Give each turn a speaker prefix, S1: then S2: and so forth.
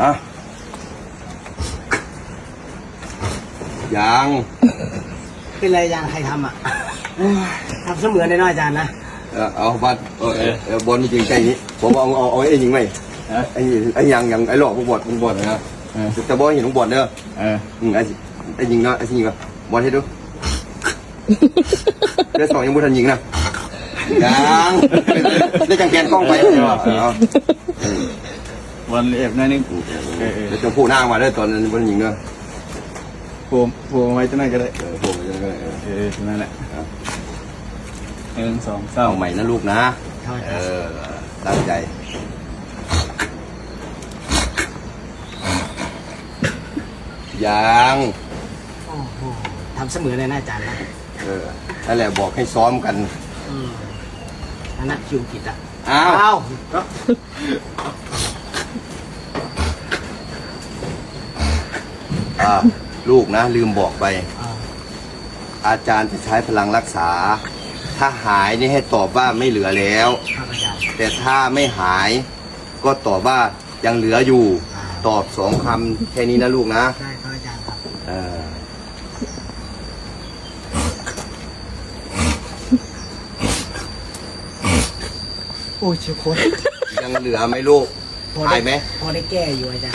S1: อ่ะยัง
S2: เป็นไรอาจารย์ใครทำอ่ะทำเสมือนได้น้อยอาจารย์นะ
S1: เอาบัตรบอลจริงใจนี้ผมเอาไอ้ยิงไหมไอ้ยังไอ้หลอกบอลนะแต่บอลเห็นบอลเด้อไอ้ยิงเนาะไอ้ยิงก็บอลให้ดูเดี๋ยวสองยังไม่ทันยิงนะยังได้จังแกนกล้องไป
S3: บอลเอฟนั่นนี่
S1: เดี๋ยวจะพูดหน้ามาเด้อตอนนั้นบอลยิงเนาะ
S3: พูไว้จะนั่นก็ได้
S1: พูดจะได้
S3: นั่นแหละ1 2 3
S1: เอาใหม่นะลูกนะตั้งใจยัง
S2: โอ้โหทำเสมือนเลยนะอาจารย์นะ
S1: นั่นแหละบอกให้ซ้อมกัน
S2: อันนั้นคิวผิดอ่ะ
S1: อ้าว ลูกนะลืมบอกไป อาจารย์จะใช้พลังรักษา ถ้าหายนี่ให้ตอบว่าไม่เหลือแล้ว
S2: ครับอาจารย์
S1: แต่ถ้าไม่หายก็ตอบว่ายังเหลืออยู่ ตอบ2 คำแค่นี้นะลูกนะ
S2: ใช่ครับอาจารย์ครับโอ้ยเชียวโคตร
S1: ยังเหลือไหมลูกหายไหม
S2: พอได้แก้อยู่อาจารย์